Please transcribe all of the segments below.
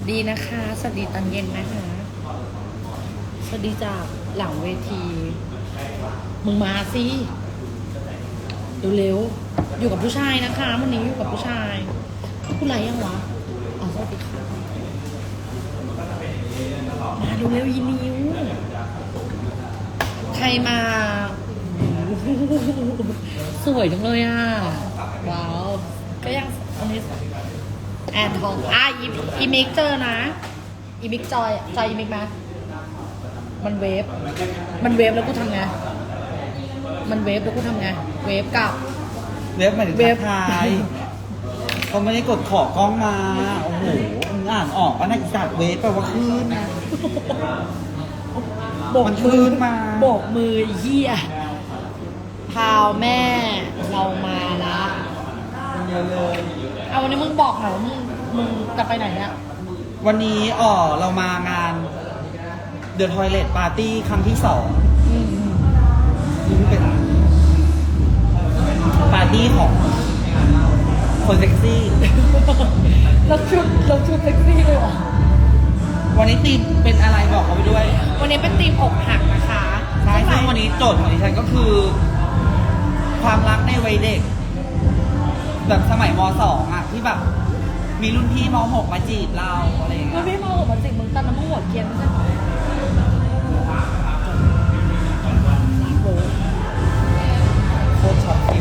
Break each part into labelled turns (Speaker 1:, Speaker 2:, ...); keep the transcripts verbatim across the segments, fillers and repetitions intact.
Speaker 1: ดีนะคะ สวัสดีตอนเย็นนะคะ สวัสดีจากหลังเวที มึงมาสิเร็วๆอยู่กับผู้ชายนะคะวันนี้อยู่กับผู้ชายผู้ไรยังวะอ๋อสวัสดีค่ะมาเร็วๆยีนิ้วใครมา สวยจังเลยอ่ะว้าวก็ยังอันนี้แอนทองอ่ะอีอีมิกเจอนะอีมิกจอยจอยอีมิกไหมมันเวฟมันเวฟแล้วกูทำไงมันเวฟแล้วกูทำไงเวฟกับ
Speaker 2: เวฟหมายถึง
Speaker 1: เวฟ
Speaker 2: ทักทายเขาไม่ได้กดขอกล้องมาโอ้โหมึงอ่านออกว่านักอีสัตว์เวฟแปลว่าคลื่นนะ
Speaker 1: โบก
Speaker 2: มัน
Speaker 1: มื
Speaker 2: คลื่
Speaker 1: อน
Speaker 2: มา
Speaker 1: โบกมือเหี้ยพาวแม่เรามาละ
Speaker 2: เยอะเลย
Speaker 1: เอาวันนี้มึงบอกหน่อยว่ามึงมึงจะไปไหนเนี่ย
Speaker 2: วันนี้อ๋อเรามางาน The Toilet Party ครั้งที่สองซึ่งเป็นปาร์ตี้ของคนเซ็กซี่
Speaker 1: เราชุดเราชุดเซ็กซี่เลยเหรอ
Speaker 2: วันนี้ธีมเป็นอะไรบอกเขาไปด้วย
Speaker 1: วันนี้เป็นทีมอกหักนะคะ
Speaker 2: ใช่ซึ่งวันนี้โจทย์ของดิฉันก็คือ ความรักในวัยเด็ก แบบสมัยมสองอ่ะ ที่แบบ มีรุ่นพี่มหกมาจีบเราอะไรอย่าง
Speaker 1: มั
Speaker 2: เงี้
Speaker 1: น
Speaker 2: ย
Speaker 1: ไม่มาหัวมันจิกมึงตอนนั้นมึงหัวเกรียนไม่ใช่เหรอโอ้
Speaker 2: โคตรช็อตฟิล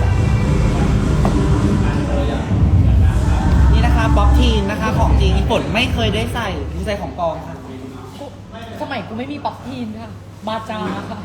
Speaker 2: นี่นะคะบ๊อบทีนนะคะ ของจริงญี่ปุ่นไม่เคยได้ใส่ดูใส่ของปลอมค่ะ
Speaker 1: กูสมัยกูไม่มีป๊อปทีนค่ะบาจาค่ะ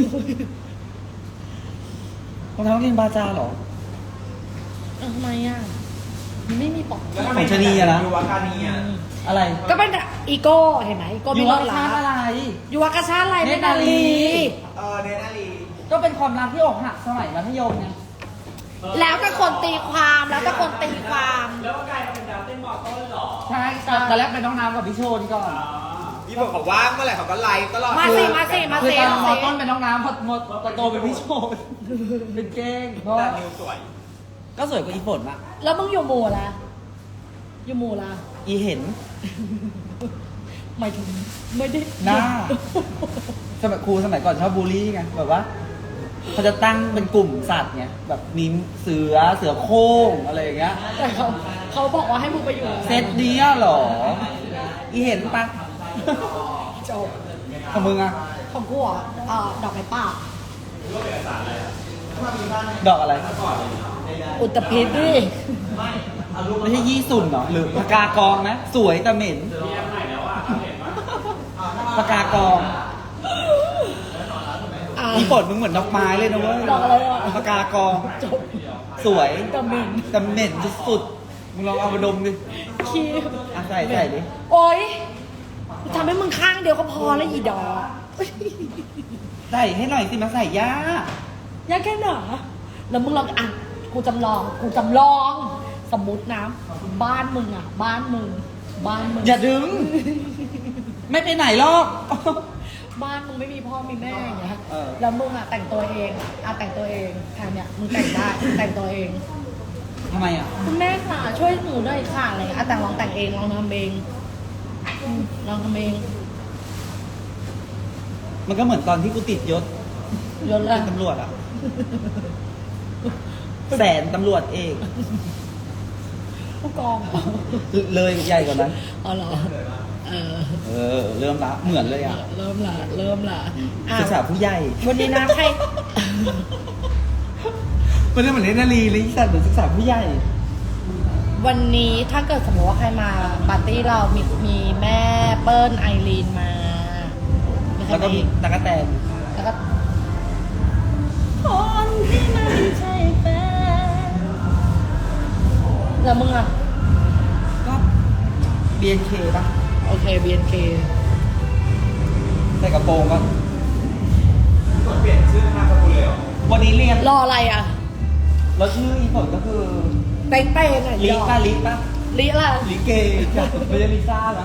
Speaker 2: รองเท้านักเรียนบาจาเหรอ
Speaker 1: เออทำไมอ่ะมันไม่มีป๊อปทีน
Speaker 2: ของชะนีอะนะ
Speaker 3: ยูวาคานีอะ
Speaker 2: อะไร
Speaker 1: ก็เป็นอีโก้เห็นไหมอีโก้
Speaker 2: ยู
Speaker 1: มี
Speaker 2: วาร
Speaker 1: ถ
Speaker 2: ชา
Speaker 1: ล้า
Speaker 2: ติอะไร
Speaker 1: ยูวากาชาติอะไร
Speaker 2: เน
Speaker 1: ไม่
Speaker 2: ตรนา
Speaker 1: นา
Speaker 2: ลี
Speaker 1: ลี
Speaker 3: เออเนนาลี
Speaker 2: ก็เป็นความรักที่อกหักสมัยมัธยมไง
Speaker 1: แล้วแต่คนตีความแล้วแต่คนตีความ
Speaker 3: แล้วก็กลายมาเป็นดาวเต้นมอต้นเหรอ
Speaker 2: ใช่ตอนแรกเป็นน้องน้ำกับพี่โชนก่อน
Speaker 3: พี่บอกเขาว่างเมื่อไหร่เขาก็ไลฟ์ตลอด
Speaker 1: มาสิมาสิมา
Speaker 2: คือ
Speaker 1: สิ
Speaker 2: ตอน
Speaker 1: มาสิ
Speaker 2: มต้นเป็นน้องน้ำพอมตโตเป็นพี่โชนเป็นเก้งเพราะ
Speaker 3: แต่
Speaker 2: ว่า
Speaker 3: นิวสวย
Speaker 2: ก็สวยกว่าอีฝนอะ
Speaker 1: แล้วมึงอยู่หมู่ละอยู่หมู่ละ
Speaker 2: อีเห็น
Speaker 1: หมายถึงไม่ได้
Speaker 2: หน้า สมัยครูสมัยก่อนชอบบูลลี่ไงแบบว่าเขาจะตั้งเป็นกลุ่มสัตว์ไงแบบมีเสือเสือโคร่งอะไรอย่างเงี้ย
Speaker 1: แต่เขาเขาบอกว่าให้มึงไปอยู่
Speaker 2: เซตนี้เหรอ อีเห็นปะ
Speaker 1: จบ
Speaker 2: ของมึงอะ
Speaker 1: ของกูอ่ะเอ่อดอกไม้ป่า
Speaker 2: ดอกอะไร
Speaker 1: อุตภิษดิ
Speaker 2: ไม่ใช่ยี่สุนเหรอหรือปากกากองนะสวยแต่เหม็นปากกากอง
Speaker 1: อ่ะ
Speaker 2: อีฝนมึงเหมือนดอกไม้เลยนะเว้ย
Speaker 1: ดอกอะไรอ่ะ
Speaker 2: ปากกากอง
Speaker 1: จบ
Speaker 2: สวย
Speaker 1: แต่เหม็น
Speaker 2: แต่เหม็นสุดๆมึงลองเอามาดมดิ
Speaker 1: ขี้
Speaker 2: อ่ะใส่ใส่ดิ
Speaker 1: โอ๊ยทำให้มึงข้างเดียวก็พอแล้วอีดอก
Speaker 2: ใส่ให้หน่อยสิมาใส่ย่าย
Speaker 1: ากแค่ไหนแล้วมึงลองอ่ะกูจำลองกูจำลอง สมมตินะบ้านมึงอ่ะ บ้านมึง บ้านมึง
Speaker 2: อย่าดึง ไม่ไปไหนหรอก
Speaker 1: บ้านมึงไม่มีพ่อมีแม่อย่างเงี้ย
Speaker 2: เออ
Speaker 1: แล้วมึงอ่ะแต่งตัวเองอ่ะแต่งตัวเองค่ะเนี่ยมึงแต่งได้ แต่งตัวเอง
Speaker 2: ทำไมอ่ะ
Speaker 1: คุณแม่ค่ะช่วยหนูด้วยค่ะอะไรเงี้ยอ่ะแต่งลองแต่งเองลองทำเองอืมลองทำเอง
Speaker 2: มันก็เหมือนตอนที่กูติดยศ
Speaker 1: ยศละ
Speaker 2: เป็นตำรวจอ่ะ แสนตำรวจเอก
Speaker 1: ผู้กอง
Speaker 2: เลยใหญ่กว่านั้น
Speaker 1: อ๋อเหรอเออ
Speaker 2: เออ เริ่มละเหมือนเลยอ่ะ
Speaker 1: เริ่มละเริ่มละอ่ะ
Speaker 2: ศึกษาผู้ใหญ่
Speaker 1: วันนี้นะใคร
Speaker 2: มันเรื่องเหมือนเล่นนาลีเลยที่สัตว์เหมือนศึกษาผู้ใหญ่
Speaker 1: วันนี้ถ้าเกิดสมมติว่าใครมาปาร์ตี้เรามีมีแม่เปิ้ลไอรีนมามีใคร
Speaker 2: แล้วก็
Speaker 1: มา
Speaker 2: มี
Speaker 1: อีก
Speaker 2: ตะกะแตน
Speaker 1: แล้วก็คนที่ไม่ใช่แฟนแล้วมึงอ่ะ
Speaker 2: ก็ บี เอ็น เค ป่ะ
Speaker 1: โอเค บี เอ็น เค
Speaker 2: ใส่กระโปรงก็
Speaker 3: กดเปลี่ยนชื่อนามสกุลเลยเหรอ
Speaker 2: วันนี้เรียน
Speaker 1: รออะไรอ่ะ
Speaker 2: แล้วชื่ออีฝนก็คือ
Speaker 1: เป้งเป้งอ่ะ
Speaker 2: ลิ
Speaker 1: ดอก
Speaker 2: ป้าลิป้า
Speaker 1: ลิอะไร
Speaker 2: ลิเกจ้ะไม่ใช่ลิซ่านะ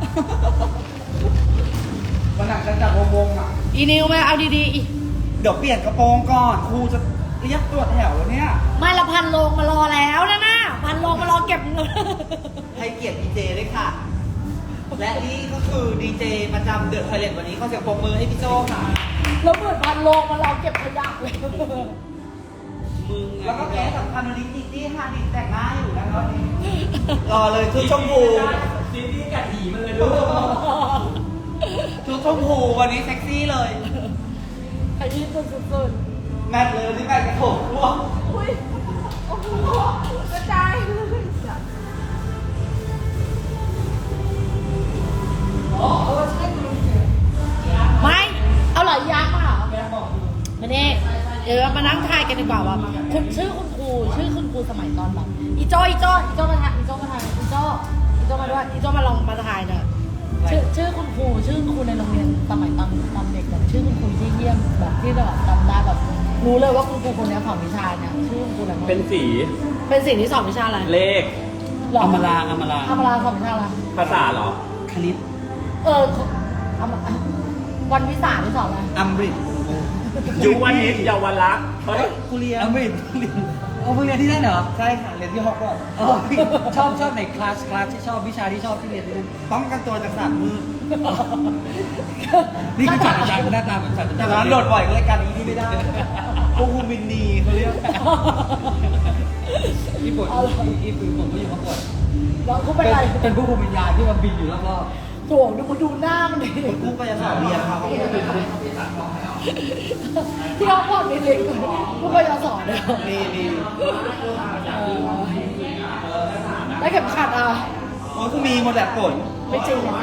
Speaker 2: วันหนักจะจับวงๆอ่ะ
Speaker 1: อีนิวไหมเอาดีๆอี
Speaker 2: เดี๋ยวเปลี่ยนกระโปรงก่อนครูจะเรียกตรวจแถวแล้วเนี่ย
Speaker 1: ไม่ละพันโลงมารอแล้วนะน่ะพันโลงมารอเก็บเงิน
Speaker 2: ให้เกียรติพีเจด้วยค่ะ
Speaker 1: พ
Speaker 2: และนี่ก็คือดีเจประจำเดอะไทเลนวันนี้เขาเสียงปรบมือให้พี่โจ้ค่ะ
Speaker 1: แล้วเหมือนพันโลงมาเราเก็บขยะเลย
Speaker 2: มึงแล้วก็แกสำคัญวันนี้จีจี้ฮาดิแต่งหน้าอยู่นะครับรอเลยชุดชมพู
Speaker 3: ซีรีส์กัดหีมันเลยด้วย
Speaker 2: ชุดชมพูวันนี้เซ็กซี่เลย
Speaker 1: ขยี้สุด
Speaker 2: แมทเลยที่แมทกระโถกพวก
Speaker 1: ๆอุ้ยโอ้โหกระจายเลยไม่ เอาเหรอยักษ์มาเหรอมาเน่เดี๋ยวเรามานั่งทายกันดีกว่าว่าคุณชื่อคุณครูชื่อคุณครูสมัยตอนแบบอีโจ้อีโจ้อีโจ้มาทายอีโจ้มาทายอีโจ้อีโจ้มาด้วยอีโจ้มาลองมาทายหน่อยชื่อชื่อคุณครูชื่อคุณครูในโรงเรียนสมัยตอนตอนเด็กแบบชื่อคุณครูที่เยี่ยมแบบที่แบบจำได้แบบรู้เลยว่าคุณครูคนนี้สอนวิชาเนี่ยชื่อคุณครูอะไรบ้าง
Speaker 3: เป็นสี
Speaker 1: เป็นสิ่งที่สอนวิชาอะไร
Speaker 3: เลข
Speaker 1: หร
Speaker 2: อมราอมรา
Speaker 1: อมราสอนวิชาอะไร
Speaker 3: ภาษาเหรอ
Speaker 2: คณิต
Speaker 1: เอออมวันวิสาที่สอนอะไร
Speaker 2: อัมบริด
Speaker 3: ยุวนิตเยาวรักษณ์เฮ้ย
Speaker 2: กูเรียนอัมบริดเรียนเอาเรียนที่นั่นเหรอใช่ค่ะเรียนที่ฮอกวอตส์ชอบชอบในคลาสคลาสที่ชอบวิชาที่ชอบที่เรียนที่นั่นป้องกันตัวจากสัตว์มืดนี่คือจัดอาจารย์หน้าตาเหมือนจัดอาจารย์แต่ตอนนั้นโดดบ่อยก็เลยการนี้ที่ไม่ได้พวกคุณบินนีเขาเรียกญี่ปุ่นญี่ปุ่นผมก็อยู่ฮอกวอตส์
Speaker 1: แล้วกูเป็นอะไร
Speaker 2: เป็นผู้คุมวิญญาณที่มันบินอยู่รอบ
Speaker 1: โถดูมาดูหน้ามันดิ
Speaker 2: ๆกูก็จะสอนเรียนครับ
Speaker 1: ที่เขาพอดเล็กๆกูก็จะสอนเลย
Speaker 2: มีมี
Speaker 1: ได้เข็มขัดอ่ะ
Speaker 2: โอ้ยคือมีหมดแหละฝน
Speaker 1: ไม่จริงอ่ะ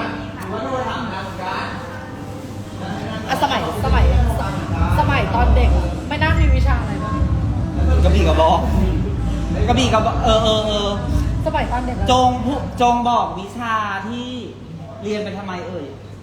Speaker 1: อ่ะสมัยสมัยสมัยตอนเด็ก ไม่น่ามีวิชาอะไรบ้าง
Speaker 2: กระบี่กระบอกกระบี่กระบอกเออเออเออ
Speaker 1: สมัยตอนเด็กอะ
Speaker 2: จงผู้จงบอกวิชาที่เรียนไปทำไมเอ่ย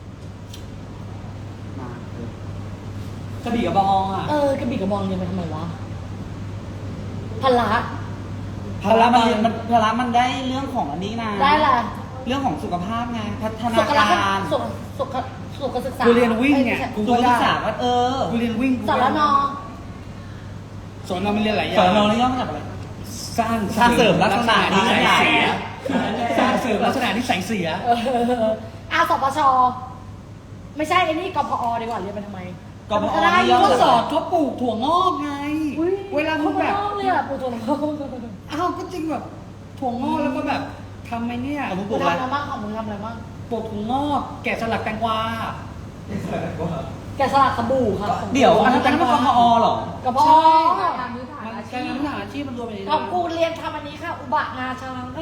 Speaker 2: มากระบี่กระบองอ่ะ
Speaker 1: เออกระบี่กระบองเรียนไปทำไมวะพละ
Speaker 2: พละมันเรียนมันพละมันได้เรื่องของอันนี้นะ
Speaker 1: ได้ละ
Speaker 2: เรื่องของสุขภาพไงพัฒนา
Speaker 1: สุขลักษ
Speaker 2: การ
Speaker 1: ณะสุขสุขสุขศึกษา
Speaker 2: กูเรียนวิ่งไง
Speaker 1: อ้
Speaker 2: กูก็ศึกษาว่าเออกูเรียนวิ่ง
Speaker 1: สารนอ
Speaker 4: สอนเราไม่เรียนหลายอย่า
Speaker 2: สอง นนี่ย่อมาจากอะไร
Speaker 4: สร้าง
Speaker 2: สร้างเสริมลักษณะนิสัย
Speaker 4: เสียสร้างเสริมลักษณะนิสัยเสีย
Speaker 1: เอออาสปชไม่ใช่ไอ้นี่กพอดีกว่าเรียนไปทำไม
Speaker 2: กพอ
Speaker 1: ก็ได้
Speaker 2: นี่ย่อ
Speaker 4: ก็
Speaker 2: มา
Speaker 4: ส
Speaker 2: จาก
Speaker 4: อนเขาปลูกถั่วงอกไง
Speaker 1: อุ๊ย
Speaker 4: เวลามึงแบบ
Speaker 1: คนนอกเลยอ่ะปูตัวน้อง
Speaker 4: อ้าวก็จริงแบบถั่วงอกแล้วก็แบบทำไมเนี่ย
Speaker 2: เอามึงป
Speaker 1: มึ
Speaker 2: ลู
Speaker 1: ง
Speaker 2: กอะไร
Speaker 1: ทำอะไรบ้างของมึงทำอะไรบ้าง
Speaker 4: ปลูกถั่วงอกแกะสลักแตงกวา
Speaker 1: แกะสลักสบู่ค่ะ
Speaker 2: เดี๋ยวอันนั้นเป็นกพอเหรอ
Speaker 1: กพอ
Speaker 4: มันการทำอาชีพมันรวมไปใน
Speaker 1: ของกูเรียนทำอันนี้ค่ะ อุบะงาช้างค่ะ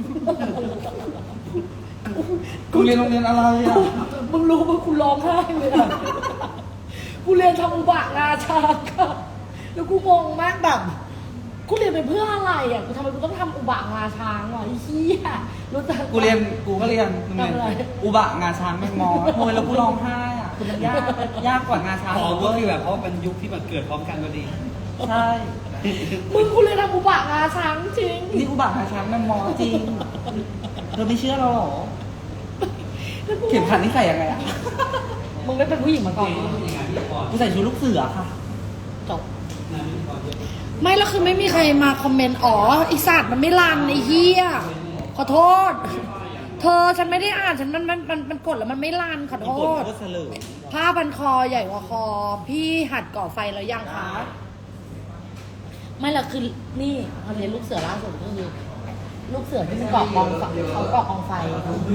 Speaker 2: กูเรียนโรงเรียนอะไรอ่ะ
Speaker 1: มึงรู้ว่ากูร้องไห้เลยอ่ะกูเรียนทำอุบะงาช้างค่ะแล้วกูงงมากแบบกูเรียนไปเพื่ออะไรอ่ะกูทำไมกูต้องทำอุบะงาช้างวะไอ้เหี้ยรู้จัก
Speaker 2: กูเรียนกูก็เรียนโรงเรียน
Speaker 1: ทำอะไร
Speaker 2: อุบะงาช้างแมงมอโอ้ยแล้วกูร้องไห้อ่ะคือมันยากยากกว่างาช้าง
Speaker 4: อ๋อ
Speaker 2: อีก
Speaker 4: ก็
Speaker 2: เว้ย
Speaker 4: คือแบบเพราะเป็นยุคที่มันเกิดพร้อมกันพอดี
Speaker 2: ใช่
Speaker 1: มึงกูเรียนทำอุบะงาช้างจริง
Speaker 2: นี่อุบะงาช้างแมงมอจริงเธอไม่เชื่อเราเหรอเข็มขัดนี่ใส่ยังไงอ่ะ
Speaker 1: มึงไม่เป็นผู้หญิงมาก่อนเหรอ
Speaker 2: กูใส่ชุดลูกเสือค่ะ
Speaker 1: จบไม่แล้วคือไม่มีใครมาคอมเมนต์อ๋อไอสัตว์มันไม่รันไอเฮียขอโทษ เธอฉันไม่ได้อ่านฉันมันมันมันมันกดแล้วมันไม่รันขอโท
Speaker 2: โค
Speaker 1: ษ
Speaker 2: ตรเสลอ
Speaker 1: ผ้าพันคอใหญ่กว่าคอ พี่หัดก่อไฟแล้วยังคะไม่ละคือนี่พอเรียนลูกเสือล่าสุดก็คือลูกเสือที่มันก่อกองไฟเขาก่อกองไฟ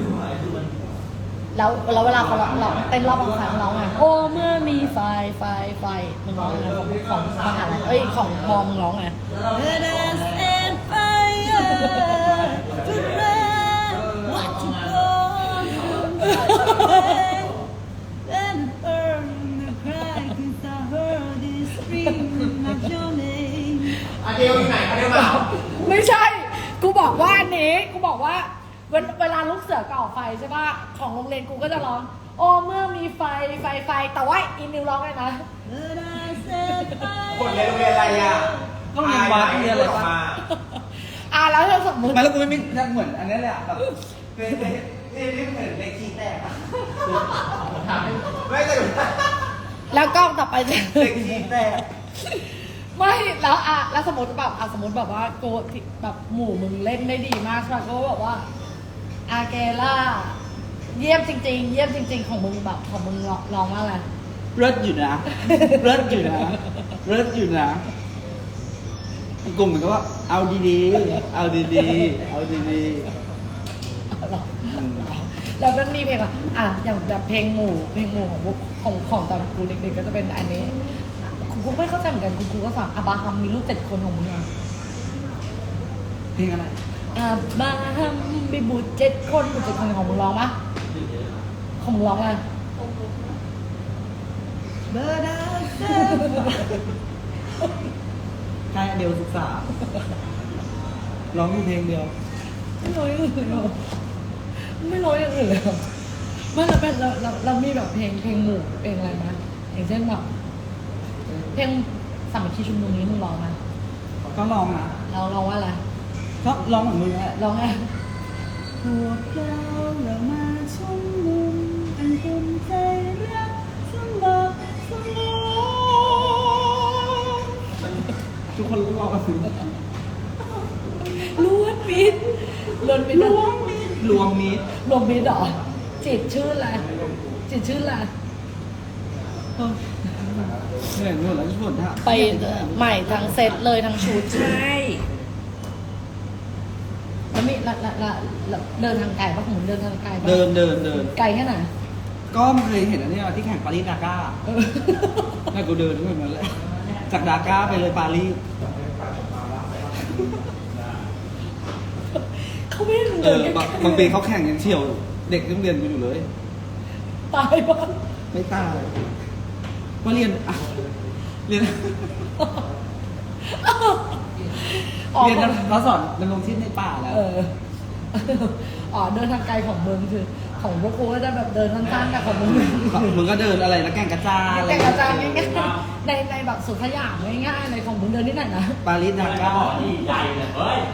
Speaker 1: แล้วแล้วเวลาเขาเราเราเต้นรอบกองไฟเขาร้องไงโอ้เมื่อมีไฟไฟไฟมึงร้องไงของของมหาลัยเอ้ยของมอมึงร้องไง Let us end fire to burn what you go and burn the cry since I heard this scream of your name
Speaker 3: อันเดียวที่ไหนอันเดียวมา
Speaker 1: ไม่ใช่ กูบอกว่าอันนี้ กูบอกว่าเวลเวลาลูกเสือก่อไฟใช่ป่ะ ของโรงเรียนกูก็จะร้อง โอ้เมื่อมีไฟไฟไฟ แต่ว่าอินนิวร้องเลยนะ
Speaker 3: คนเรียนโรงเรียนอะไรอ่ะ
Speaker 2: ต้องเรียนวัดเรียนอะไร
Speaker 3: ออก
Speaker 2: ปะ
Speaker 3: มา
Speaker 1: อ่ะแล้วถ้าสมมติ
Speaker 2: ไม่แล้วกูไม่มีเหมือนอันนี้เลยอ่ะแบบเป็นเป็นเป็นเหมือนเลขคีย์แตกอ่ะ
Speaker 3: ไม่แต่
Speaker 1: แล้วกล้องต่อไปจะ
Speaker 2: เลขคีย์แตก
Speaker 1: ไม่แล้วอ่ะแล้วสมมติแบบอ่ะสมมติแบบว่าโกแบบหมู่มึงเล่นได้ดีมากใช่ป่ะก็แบบว่าอาเกล่าเยี่ยมจริง ๆ เยี่ยมจริง ๆ ของมึงแบบของมึงร้องร้องว่าอะไร
Speaker 2: เลิศอยู่นะเลิศอยู่นะเลิศอยู่นะกลุ่มมันก็ว่าเอาดีๆเอาดีๆเอาดีๆอืม
Speaker 1: แล้วมันมีเพลงอะอ่ะอย่างแบบเพลงหมู่เพลงหมู่ของพวกของของตอนกูเด็กๆก็จะเป็นอันนี้คุณกูไม่เข้าใจเหมือนกันคุณกูก็ฟังอับราฮัมมีลูกเจ็ดคนของมึงอะ
Speaker 2: เพลงอะไร
Speaker 1: อับราฮัมมีบุตรเจ็ดคนบุตรเจ็ดคนของมึงร้องปะของมึงร้องอะไร
Speaker 2: เบอร์ดาเซใช่เดียวศึกษาร้องอยู่เพลงเดียว
Speaker 1: ไม่ร้องอย่างอื่นเลยเหรอไม่ร้องอย่างอื่นเลยเหรอไม่เราเป็นเราเราเรามีแบบเพลงเพลงหมู่เพลงอะไรนะอย่างเช่นแบบเพลงสามัคคีชุมนุมนี้มึงร้องไหม
Speaker 2: ก็ร้องนะ
Speaker 1: เราร้องว่าอะไร
Speaker 2: ก็ร้องเหมือนมึงแหละ
Speaker 1: ร้องไง
Speaker 2: พวกเราเรามาชุมนุมเป็นคนใจรักสมัครสมองทุกคนร้องกันสิ
Speaker 1: ล้วนมิดล้วนมิด
Speaker 2: รวมมิตรรวมมิตร
Speaker 1: รวมมิดเหรอจิตชื่ออะไรจิตชื่ออะไร
Speaker 2: เหนื่อยหมดแล้วทุกคนฮะ
Speaker 1: ไปใหม่ทั้งเซตเลยทั้งชุดใช่แล้วมีละละละละเดินทางไกลปะผมเดินทางไกลปะ
Speaker 2: เดินเดินเดิน
Speaker 1: ไกลแค่ไหน
Speaker 2: ก็เคยเห็นอันนี้ที่แข่งปารีสดาก้า
Speaker 1: เออ
Speaker 2: ให้กูเดินเหมือนกันเลยจากดาก้าไปเลยปารีส
Speaker 1: เขาไม่ให้มึง
Speaker 2: เอ
Speaker 1: เดิน
Speaker 2: อ
Speaker 1: ใกล้
Speaker 2: บาง
Speaker 1: ๆ
Speaker 2: บางปีเขาแข่งยังเฉียวเด็กนักเรียนกูอยู่เลย
Speaker 1: ตายปะ
Speaker 2: ไม่ตายว่าเรียนอ่ะเรียน
Speaker 1: อ๋อ
Speaker 2: เรียนเขาสอนดำรงชีพในป่าแล้ว
Speaker 1: เอออ๋อเดินทางไกลของมึงคือของพวกกูก็จะแบบเดินสั้นๆแต่ของมึง
Speaker 2: มึงก็เดินอะไรแล้วแก่งกระจานอะไร
Speaker 1: แต่กระจายง่ายๆในในแบบสุดสยามง่ายๆเลยของมึงเดินที่ไหนนะ
Speaker 2: ปารีสดาก้า
Speaker 3: นี่ใหญ่เลยเฮ้ย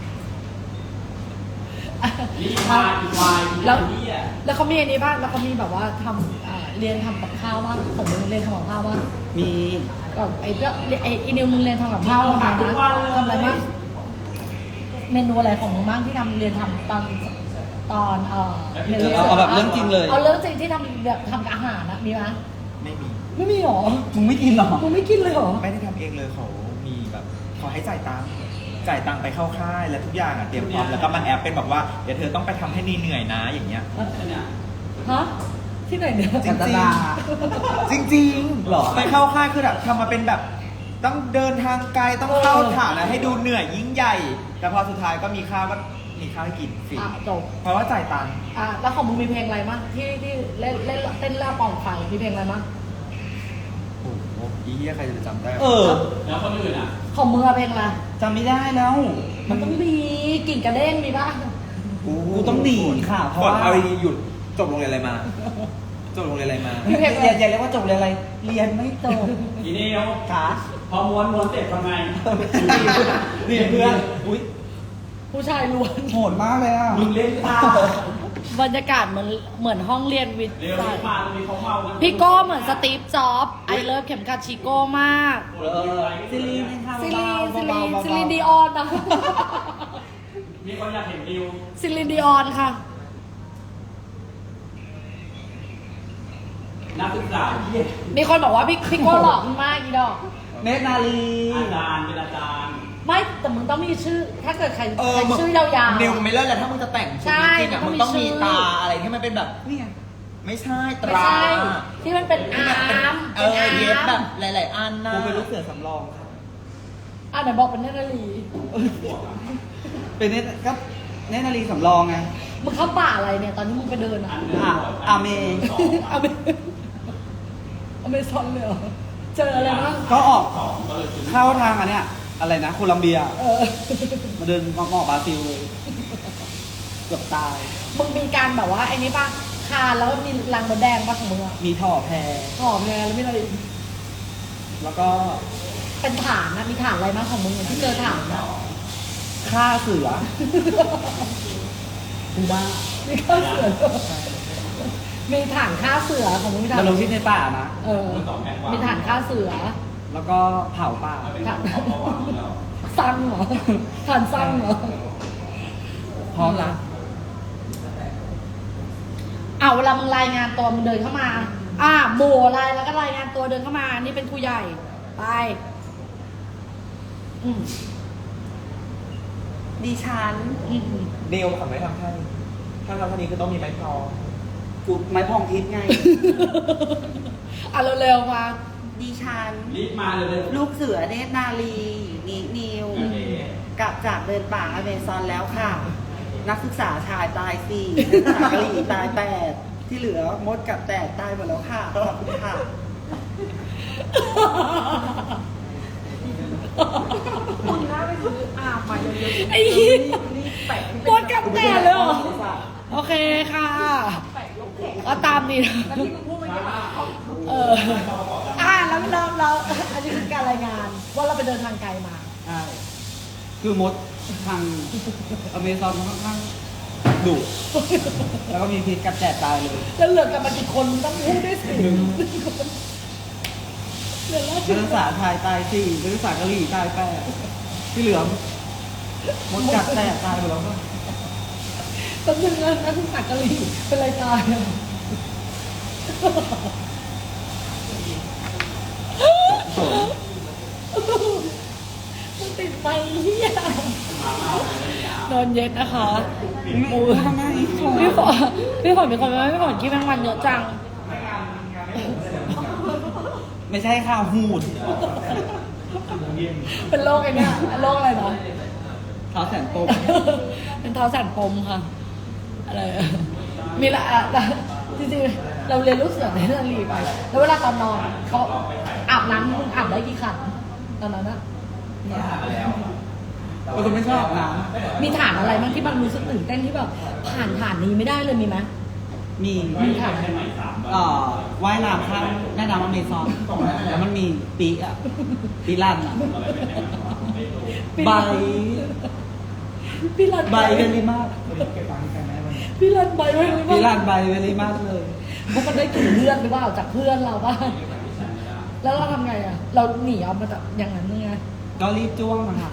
Speaker 3: นี่มาอีกวาย
Speaker 1: แล้ว
Speaker 3: นี่อ่ะ
Speaker 1: แล้วเขามีอันนี้บ้างแล้วเขามีแบบว่าทำอ่าเรียนทำกับข้าวบ้างของมึงเรียนทำกับข้าวบ้าง
Speaker 2: มี
Speaker 1: ก็ไอ้เจ้าไอ้อีนิวมึงเรียนทำกับข้าวบ้างนะทำอะไรบ้างเมนูอะไรของมึงบ้างที่ทำเรียนทำตอนตอนเออรียน
Speaker 2: เอาเอาแบบเรื่องจริงเลย
Speaker 1: เอาเรื่องจริงที่ทำแบบทำกับอาหารนะมีไหม
Speaker 3: ไม่มี
Speaker 1: ไม่มีหรอ
Speaker 2: มึงไม่กินหรอ
Speaker 1: มึงไม่กินเลยหรอ
Speaker 3: ไม่ได้ทำเองเลยเขามีแบบเขาให้จ่ายตังค์จ่ายตังค์ไปเข้าค่ายแล้วทุกอย่างอ่ะเตรียมพร้อมแล้วก็มาแอปเป็นแบบว่าเดี๋ยวเธอต้องไปทำให้เหนื่อยๆนะอย่างเงี้ย
Speaker 1: ฮะที่ไหนเนี่ย
Speaker 3: จริง
Speaker 2: กันตนา
Speaker 3: จริงจริง
Speaker 2: หรอ
Speaker 3: ไปเข้าค่ายคือแบบทำมาเป็นแบบต้องเดินทางไกลต้องเข้าฐานนะให้ดูเหนื่อยยิ่งใหญ่ แต่พอสุดท้ายก็มีข้าวก็มีข้าวให้กินฟรี
Speaker 1: อ่ะจบ
Speaker 3: เพราะว่าจ่ายตังค์
Speaker 1: อ่ะแล้วของมึงมีเพลงอะไรมั้งที่ที่เล่นเล่นเต้นล่าปองไฟมีเพลงอะไรมั้ง
Speaker 3: โอ้โหอีเหี้ยใครจะจำได้
Speaker 2: เออ
Speaker 3: แล้วคนอื่นอ่ะ
Speaker 1: ของมึงอะเพลงอะไร
Speaker 2: จำไม่ได้แล้ว
Speaker 1: มันต้องมีกิ่งกระเด้งมีป่ะ
Speaker 2: กูต้องหนีค่ะเพราะว่า
Speaker 3: เอาดีๆหยุดจบโรงเรียนอะไรมา จบโรงเรียนอะไรมา
Speaker 2: อย่าอย่าอย่าเรียกว่าจบเรียนอะไร เรียนไม่จบ
Speaker 5: ทีนี้เอา
Speaker 2: ขา
Speaker 5: พอม้วนม้วนเสร็จทำไง
Speaker 2: เรียนเพื่อนอุ้ย
Speaker 1: ผู้ชายล้วน
Speaker 2: โหดมากเลยอ่ะ
Speaker 5: มึงเล่นตา
Speaker 1: บรรยากาศเหมือนเหมือนห้องเรียนวิทย์
Speaker 5: เร็วรีบมาตรงนี้เขาเมากัน
Speaker 1: พี่โก้เหมือนสตีฟจ็อบส์ไอเลิฟเข็มขัดชิโก้มาก
Speaker 2: เออซิลีนยังทำ
Speaker 1: ซิลีนซิลีน
Speaker 2: เบาๆ
Speaker 1: ซิลีนดีออนนะ
Speaker 5: มีคนอยากเห็นดิว
Speaker 1: ซิลีนดีออนค่ะ
Speaker 5: นักศึกษาที่
Speaker 1: มีคนบอกว่าพี่พี่โก้หล่อมากอีดอก
Speaker 2: เนตรนาลี
Speaker 5: อาจารย์เป็นอาจารย์
Speaker 1: ไม่แต่มึงต้องมีชื่อ ถ้าเกิดใคร
Speaker 3: เออ
Speaker 1: ใคร
Speaker 3: มึง
Speaker 1: ชื่อยาวๆ
Speaker 3: นิวไม่เลิศแล้วถ้ามึงจะแต่งชุด
Speaker 1: ใช่
Speaker 3: จริงๆอ่ะ
Speaker 1: มั
Speaker 3: มึ
Speaker 1: น
Speaker 3: ง
Speaker 1: ต้องมี
Speaker 3: ต้องมี
Speaker 1: ชื่อ
Speaker 3: ตาอะไรที่มันเป็นแบบ
Speaker 2: นี่ไง
Speaker 3: ไม่ใช่ต
Speaker 1: ไม่
Speaker 3: รา
Speaker 1: ใช่ ที่มันเป็นอา
Speaker 3: ที่มันเป็น
Speaker 1: ร์ม
Speaker 3: เออเย็บแบบหลายๆอันนะ
Speaker 2: กูเป็นลูกเสือสำรองค่ะ
Speaker 1: อ่ะไหนบอกเป็นเนตรนารี
Speaker 2: เป็นเนตรก็เนตรนาลีสำรองไง
Speaker 1: มึงเข้าป่าอะไรเนี่ย ตอนที่มึงไปเดินอ่ะ
Speaker 2: อ่ะอาเม
Speaker 1: อเมอเมซอนเลยเหรอ เจออะไรบ้าง
Speaker 2: ก็ออกเข้าทางอันเนี้ยอะไรนะโคลัมเบีย
Speaker 1: เออ
Speaker 2: มาเดินงอกๆบราซิลเลยเกือบตาย
Speaker 1: มึงมีการแบบว่าไอ้นี้ป่ะ คานแล้วมีรังมดแดงป่ะของมึงอ่ะ
Speaker 2: มีท่อแพ
Speaker 1: หอมแงแล้วมีอะไรอีก
Speaker 2: แล้วก็
Speaker 1: เป็นฐานนะมีฐานอะไรบ้างของมึงอะที่เจอฐานนะ
Speaker 2: ฆ่าเสือกูว่า
Speaker 1: มีข้าเสือด้วยมีฐานฆ่าเสือของมึงมีฐาน
Speaker 2: ดำรงชีพในป่านะ
Speaker 1: เออ มีฐานฆ่าเสือ
Speaker 2: แล้วก็เผาป่า
Speaker 1: ฐานสั้นเหรอฐานสั้นเหรอ
Speaker 2: พร้อมละ
Speaker 1: เอาเวลามึงรายงานตัวมึงเดินเข้ามา อ่าหมู่อะไรแล้วก็รายงานตัวเดินเข้ามา นี่เป็นครูใหญ่ ไป อืม
Speaker 2: ดิฉัน
Speaker 1: อืม
Speaker 3: เดลทำไม่ทำท่านี้ถ้าทำท่านี้คือต้องมีไม้พอ
Speaker 2: กูไม้พองทิพย์ไง
Speaker 1: อ่ะเร็วๆมา
Speaker 2: ดิฉัน
Speaker 5: รีบมาเลยเลย
Speaker 2: ลูกเสือเนตรนาลีนินิว
Speaker 5: โอเค
Speaker 2: กลับจากเดินป่าอเมซอนแล้วค่ะ นักศึกษาชายตายสี่นักศึกษากะหรี่ตายแปดที่เหลือมดกับแตกตายหมดแล้วค่ะ ขอบคุณค่ะ
Speaker 1: คุณน่าไปซื้ออาบมาเยอะๆไอ้ยี่ปวดกับแต่เลยเหรอ โอเคค่ะ ก็ตามนี้เออ อ่าแล้วเราเราอันนี้คือการรายงาน ว่าเราไปเดินทางไกลมา
Speaker 2: ใช่ คือมดทางอเมซอนค่อนข้างดุ แล้วก็มีพิษกัดแตกตายเลย
Speaker 1: แล้วเหลือกันมากี่คนต้องพูดด้วยสิเหลือแล้ว
Speaker 2: นักศึกษาไทยตายสี่นักศึกษากะหรี่ตายแปดที่เหลือมดกัดแตกตายหมดแล้วก็
Speaker 1: ตำแหน่งนั้นนักศึกษากะหรี่เป็นไรตายอ่ะ
Speaker 2: สน
Speaker 1: มันติดไปเฮียนอนเย็นนะคะโอ้ย
Speaker 2: ทำไมอีกคน
Speaker 1: พี่ฝนพี่ฝนมีคนไหมพี่ฝนคิดแมงวันเยอะจัง
Speaker 2: ไม่ใช่ข่าวหูด
Speaker 1: เป็นโรคไอ้เนี่ยโรคอะไรนะ
Speaker 2: เท้าแสนปม
Speaker 1: เป็นเท้าสั่นปมค่ะ อะไรอะมีละอะละจริงๆเราเรียนลูกเสือในเรื่องรีไป แล้วเวลาตอนนอนเขาอาบน้ำมึงอาบได้กี่ขันตอนนั้นอะ
Speaker 2: เราจะไม่ชอบน้
Speaker 1: มีฐานอะไรบ้างที่มันรู้สึกตื่นเต้นที่แบบผ่านฐานนี้ไม่ได้เลยมีไหม
Speaker 2: ำมี
Speaker 1: มีฐาน
Speaker 2: เอ่อว่ายน้ำข้ามแม่น้ำอเมซอนแล้วมันมีปีอะปีลั่นอะใบ
Speaker 1: พี่รัน
Speaker 2: ใบเวลิมาก
Speaker 1: พี่รันใบไว้เลย
Speaker 2: ปี
Speaker 1: ว่า
Speaker 2: ลั่นใบเวลิมากเลย
Speaker 1: เพราะมันได้กลิ่นเลือดหรือเปล่าจากเพื่อนเราบ้างแล้วเราทำไงอะเราหนีเอามาจากอย่างนั้นยังไง
Speaker 2: ก็รีบจ้วงนะครับ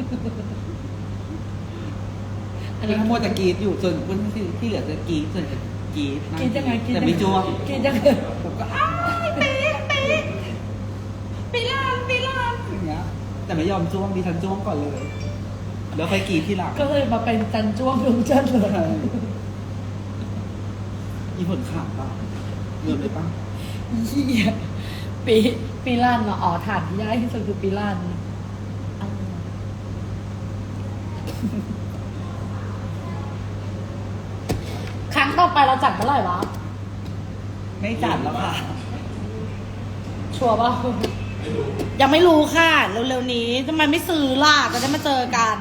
Speaker 1: อัน
Speaker 2: นี่
Speaker 1: นี้
Speaker 2: ขโมยแต่กรีดอยู่ส่วนคนที่ที่เหลือจะกรีดส่วนจะกรีดนั่
Speaker 1: กินยังไงกิน
Speaker 2: แต่ไม่จ้วง
Speaker 1: กินยังไง
Speaker 2: ผมก็อ้ายปีปีปีลั่นปีลั่นอย่างเงี้ยแต่ไม่ยอมจ้วงดิฉันจ้วงก่อนเลยแล้วค่อยกรีดที่หลัง
Speaker 1: ก็เลยมาเป็นจันจ้วงดวงจันทร์เลย
Speaker 2: มีผลข่าวป่ะเริ่มเลยป่ะ
Speaker 1: เหี้ยปีปีลั่นเหรออ๋อฐานที่ได้ที่สุดคือปีลั่นเอาครั้งต่อไปเราจัดเมื่อไหร่วะ
Speaker 2: ไม่จัดแล้วค่ะ
Speaker 1: ชัวร์ป่ะยังไม่รู้ค่ะ เร็วๆนี้ทำไมไม่ซื้อล่ะจะได้มาเจอกัน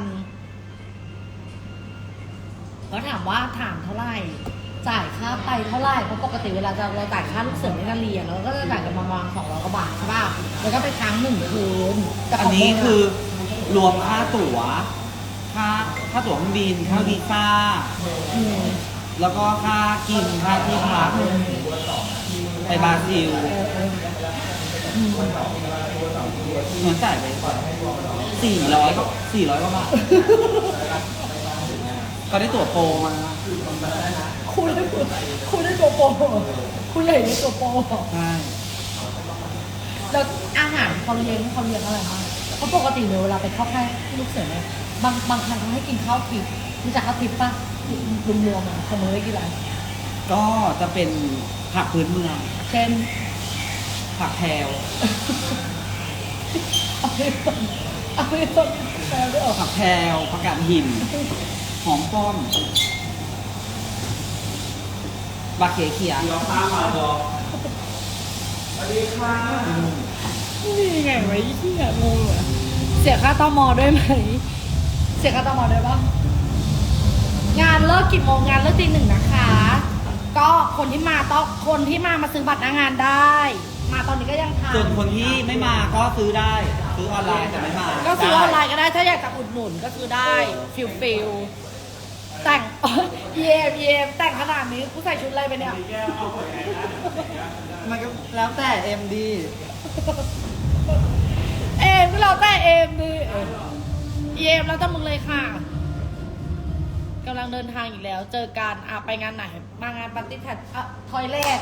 Speaker 1: ก็ถามว่าถามเท่าไหร่ จ่ายค่าไปเท่าไหร่เพราะปกติเวลาจะเราจ่ายค่าลูกเสือในการเรียนเราก็จะจ่ายกันประมาณสองร้อยกว่าบาทใช่ป่ะแล้วก็ไปค้างหนึ่งคืนแต่
Speaker 2: อั
Speaker 1: ข
Speaker 2: น
Speaker 1: ง
Speaker 2: นี้
Speaker 1: มึงะ
Speaker 2: คือรวมค่าตั๋ว ค่าค่าตั๋วเครื่องบิน ค่าวีซ่า
Speaker 1: อืม
Speaker 2: แล้วก็ค่ากิน ค่าที่พักไปบราซิล
Speaker 1: เออเอออืม
Speaker 2: เหมือนจ่ายไปสี่ร้อยก็สี่ร้อยกว่าบาท ก็ได้ตั๋วโปรมา
Speaker 1: คุณได้คุณได้ตัวโปรคุณใหญ่ได้ตัวโปร
Speaker 2: ใช่
Speaker 1: แล้วอาหารเขาเลี้ยงเขาเลี้ยงอะไรบ้างเพราะปกติเนี่ยเวลาไปเข้าค่ายลูกเสือเนี่ยบางบางครั้งเขาให้กินข้าวทิพย์รู้จักข้าวทิพย์ป่ะรวมๆอ่ะเขาเมื่อกี่ไร
Speaker 2: ก็จะเป็นผักพื้นเมือง
Speaker 1: เช่น
Speaker 2: ผักแพรว
Speaker 1: เอาไปต้นเอาไปต้นแปลด้วยเหรอ
Speaker 2: ผักแพรวผักกาดหิน หอมป้อมบาเขียเขีย
Speaker 5: เดี๋ยวข้ามมาบอก
Speaker 1: นี่ไงไว้ที่งงเลยเสียค่าตมด้วยไหมเสียค่าตมด้วยปะงานเลิกกี่โมงงานเลิกตีหนึ่งนะคะ ก็คนที่มาต้องคนที่มามาซื้อบัตรหน้างานได้ มาตอนนี้ก็ยังทัน
Speaker 2: ส่วนคนที่ไม่มาก็ซื้อได้ ซื้อออนไลน์แต่ไม่มา
Speaker 1: ก็ซื้อออนไลน์ก็ได้ถ้าอยากจะอุดหนุนก็ซื้อได้ฟิลฟิลแต่ง เยมเยมแต่งขนาดนี้กูใส่ชุดอะไรไปเนี่ย
Speaker 2: มันก็แล้วแต่เอ็มดี
Speaker 1: เอมก็เราแต่เอมดิเอมแล้วแต่มึงเลยค่ะกำลังเดินทางอีกแล้ว เจอกันอ่ะไปงานไหน มางานปาร์ตี้แพทอ่ะทอยเลท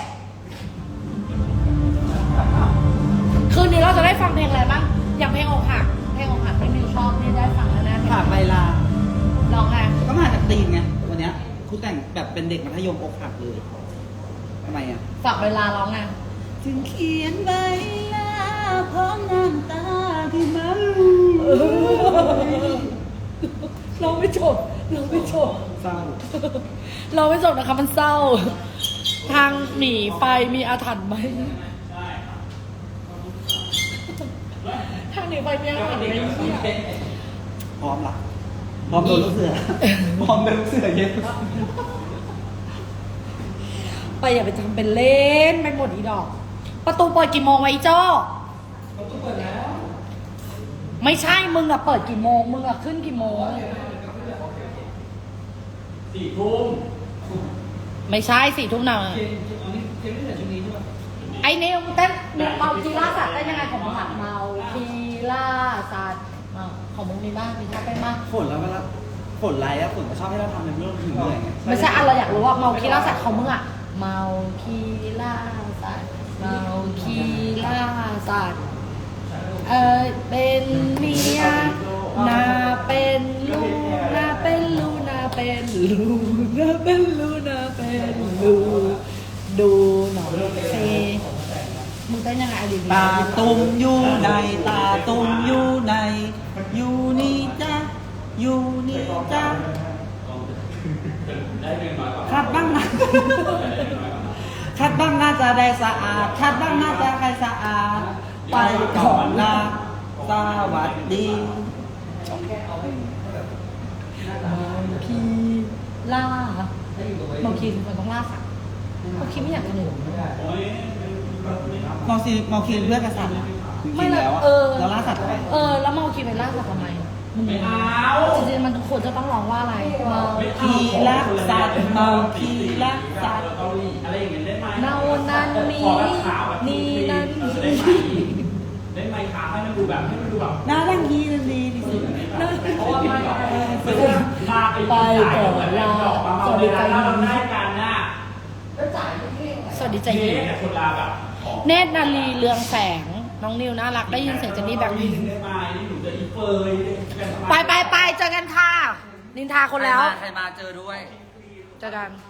Speaker 1: คืนนี้เราจะได้ฟังเพลงอะไรบ้างอย่างเพลงอกหักเพลงอกหักที่มิวชอบนี่ได้ฟังแน่ๆ
Speaker 2: ผ่านเวลา
Speaker 1: ลองไง
Speaker 2: ก็มาจากตีนไงวันเนี้ยคุณแต่งแบบเป็นเด็กมัธยมอกหักเลยทำไมอ่ะ
Speaker 1: ฝากเวลาร้องไง
Speaker 2: ถึงเขียนใบลาพร้อมน้ำตาที่มัน
Speaker 1: เราไม่จบเราไม่จบ
Speaker 2: เศร้า
Speaker 1: เราไม่จบนะคะมันเศร้า ทางหนีไฟมีอาถรรพ์ไหมทางหนีไฟมีอาถรรพ์ไหมเนี่ย
Speaker 2: พร้อมละพร้อมโดนลูกเสือพร้อมโดนลูกเสือเย็น
Speaker 1: ไปอย่าไปทำเป็นเล่นไปหมดอีดอก ประตูเปิดกี่โมงวะอีโจ้ประตูเปิดแล้ว ไม่ใช่มึงอะเปิดกี่โมงมึงอะขึ้นกี่โมง
Speaker 5: สี่ทุ่ม
Speaker 1: ไม่ใช่สี่ทุ่มหน่ะไอ้นิวเต้นเมาคีล่าสัตว์ได้ยังไงของมึงอะเมาคีล่าสัตว์เมาของมึงมีบ้างมีท่าเต้นบ้าง
Speaker 2: ฝนแล้วเวลาฝนไรอะฝนก็ชอบให้เราทำในเรื่องถึงเหนื่อยไง
Speaker 1: ไม่ใช่อะเราอยากรู้ว่าเมาคีล่าสัตว์ของมึงอะเมาคีล่าสัตว์เมาคีล่าสัตว์เออเป็นเมียนาเป็นลูกนาเป็นลูกนาเป็นลูกนาเป็นลูกนาเป็นลูกดูหน่อยเซมึงเต้นยังไงอะดี
Speaker 2: ตาตุ่มอยู่ในตาตุ่มอยู่ในอยู่นี่จ้ะอยู่นี่จ้ะคัดบ้างนะคัดบ้างน่าจะได้สะอาดคัดบ้างน่าจะใครสะอาดไปก่อนนะสวัสดี
Speaker 1: เมาคีล่าเมาคีคือคนต้องล่าสัตว์เมาคีไม่อยากกินหนู
Speaker 2: มอซีมอคีนเพื่อนกษัตริย์จริ
Speaker 1: ไม่
Speaker 2: งๆ
Speaker 1: ละ
Speaker 2: แล้วอะ
Speaker 1: เออ
Speaker 2: เราล่าสัตว์ทำไม
Speaker 1: เออ แล้วเมาคีไปล่าสัตว์ทำไมมึง
Speaker 5: ไม่เอา
Speaker 1: จริงๆมันควรจะต้องร้องว่าอะไรเมา
Speaker 2: คีรักสัตว์เมาคีรักสัตว์
Speaker 5: เกาหลีอะไรอย่างเงี้ยได้ไหม
Speaker 1: เนานั้นมี
Speaker 5: ขอแบบขาวแบบ
Speaker 1: นี่นั้น
Speaker 5: เออได้ไหมได้ไหมขาวให้มันดูแบบให้มันดูแบบ
Speaker 2: น่ารักดีนั่นดีที่สุด
Speaker 5: เพราะว่าไม่แบบพาไป
Speaker 1: ไปก่อนลา
Speaker 5: สวัสดีครับเราได้กันนะ
Speaker 1: สวัสดีใจ
Speaker 5: นี่
Speaker 1: เย็น
Speaker 5: เนี่ยคนลาแบบของ
Speaker 1: เนตรนาลีเรืองแสง น้องนิวน่ารักได้ยินเสียงเจนนี่แบบนี้
Speaker 5: ได้ไหมนี่หนูจะอีเฟย
Speaker 1: ไปไปไปเจอกันค่ะ นินทาคนแล้ว
Speaker 2: ใครมาเจอด้วย
Speaker 1: เจอกัน